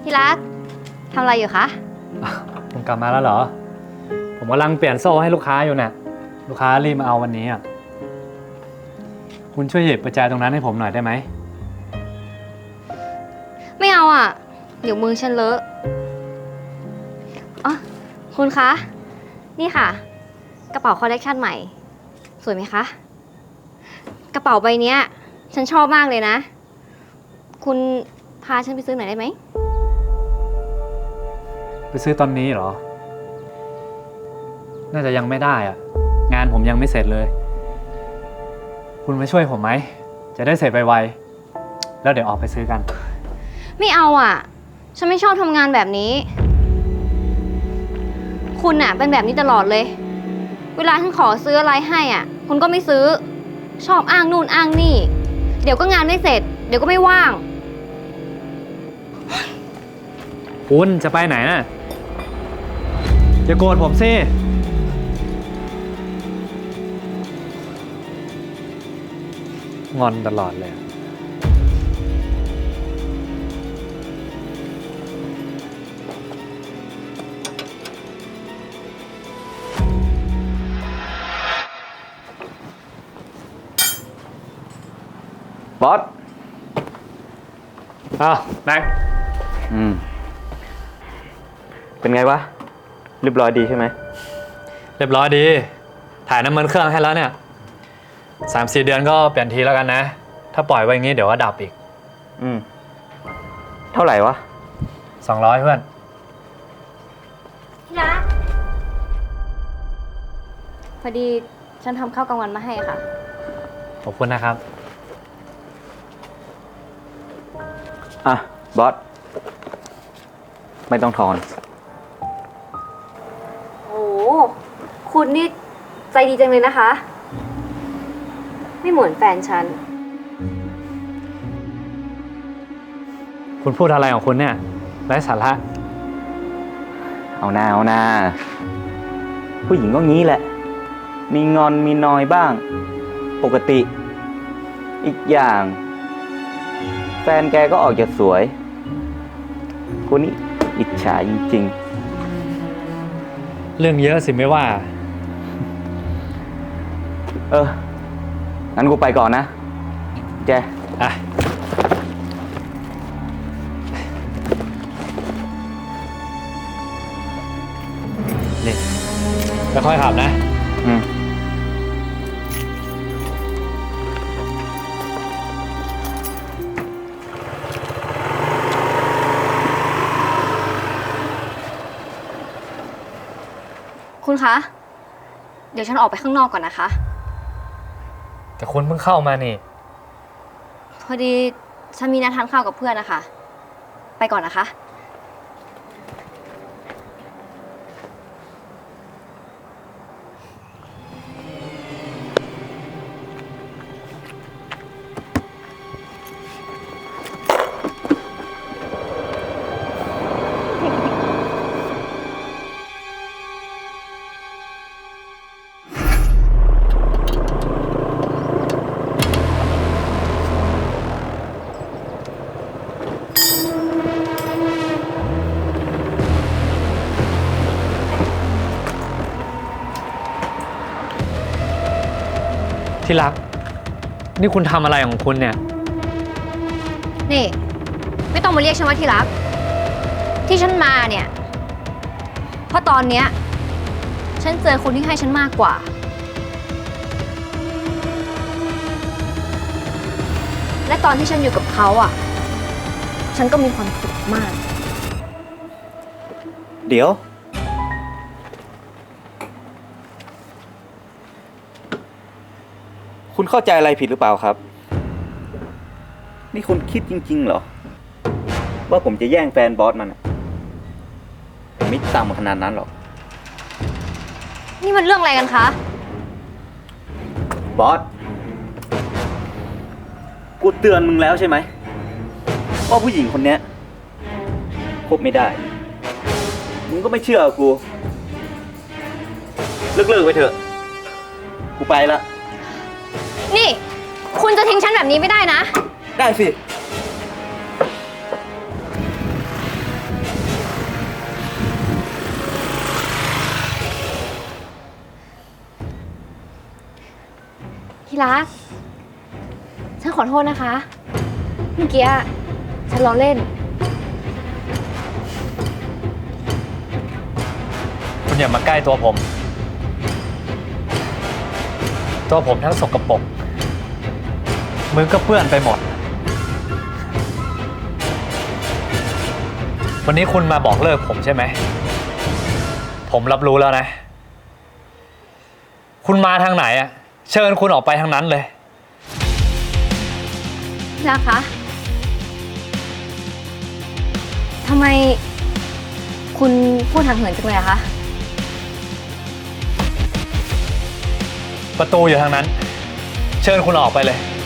ที่รักทำอะไรอยู่คะผมกลับมาแล้วเหรอผมกำลังเปลี่ยนโซ่ให้ลูกค้าอยู่เนี่ยลูกค้ารีบมาเอาวันนี้อ่ะคุณช่วยหยิบประแจตรงนั้นให้ผมหน่อยได้ไหมไม่เอาอ่ะเดี๋ยวมือฉันเลอะอ๋อคุณคะนี่ค่ะกระเป๋าคอลเลกชันใหม่สวยไหมคะกระเป๋าใบเนี้ยฉันชอบมากเลยนะคุณพาฉันไปซื้อหน่อยได้ไหมไปซื้อตอนนี้เหรอน่าจะยังไม่ได้อ่ะงานผมยังไม่เสร็จเลยคุณมาช่วยผมไหมจะได้เสร็จไวๆแล้วเดี๋ยวออกไปซื้อกันไม่เอาอ่ะฉันไม่ชอบทำงานแบบนี้คุณอ่ะเป็นแบบนี้ตลอดเลยเวลาฉันขอซื้ออะไรให้อ่ะคุณก็ไม่ซื้อชอบอ้างนู่นอ้างนี่เดี๋ยวก็งานไม่เสร็จเดี๋ยวก็ไม่ว่างคุณจะไปไหนน่ะอย่าโกรธผมสิงอนตลอดเลยบอสอ้าวแม็กเป็นไงวะเรียบร้อยดีใช่ไหมเรียบร้อยดีถ่ายน้ำมันเครื่องให้แล้วเนี่ย3-4 เดือนก็เปลี่ยนทีแล้วกันนะถ้าปล่อยไว้อย่างงี้เดี๋ยวก็ดับอีกเท่าไหร่วะ 200เพื่อนที่รักพอดีฉันทำข้าวกลางวันมาให้ค่ะขอบคุณนะครับอ่ะบอสไม่ต้องทอนโอ้คุณนี่ใจดีจังเลยนะคะไม่เหมือนแฟนฉันคุณพูดอะไรของคุณเนี่ยไร้สาระเอาหน้าผู้หญิงก็งี้แหละมีงอนมีนอยบ้างปกติอีกอย่างแฟนแกก็ออกจะสวยกูนี่อิจฉาจริงเรื่องเยอะสิไม่ว่างั้นกูไปก่อนนะแกนี่ค่อยๆขับนะคุณคะเดี๋ยวฉันออกไปข้างนอกก่อนนะคะแต่คุณเพิ่งเข้ามานี่พอดีฉันมีนัดทานข้าวกับเพื่อนนะคะไปก่อนนะคะที่รักนี่คุณทำอะไรของคุณเนี่ยนี่ไม่ต้องมาเรียกฉันว่าที่รักที่ฉันมาเนี่ยเพราะตอนเนี้ยฉันเจอคนที่ให้ฉันมากกว่าและตอนที่ฉันอยู่กับเขาอ่ะฉันก็มีความสุขมากเดี๋ยวคุณเข้าใจอะไรผิดหรือเปล่าครับนี่คุณคิดจริงๆเหรอว่าผมจะแย่งแฟนบอสมันผมไม่ต่ำขนาดนั้นหรอกนี่มันเรื่องอะไรกันคะบอสกูเตือนมึงแล้วใช่ไหมว่าผู้หญิงคนนี้คบไม่ได้มึงก็ไม่เชื่อกูเลิกไปเถอะกูไปละนี่คุณจะทิ้งฉันแบบนี้ไม่ได้นะได้สิที่รัก ฉันขอโทษนะคะ เมื่อกี้ฉันล้อเล่นคุณอย่ามาใกล้ตัวผม ตัวผมทั้งสกปรกมือก็เปื้อนไปหมด วันนี้คุณมาบอกเลิกผมใช่ไหม ผมรับรู้แล้วนะ คุณมาทางไหนอะเชิญคุณออกไปทางนั้นเลยนะคะ ทำไมคุณพูดทางเหินจังเลยอะคะประตูอยู่ทางนั้น เชิญคุณออกไปเลย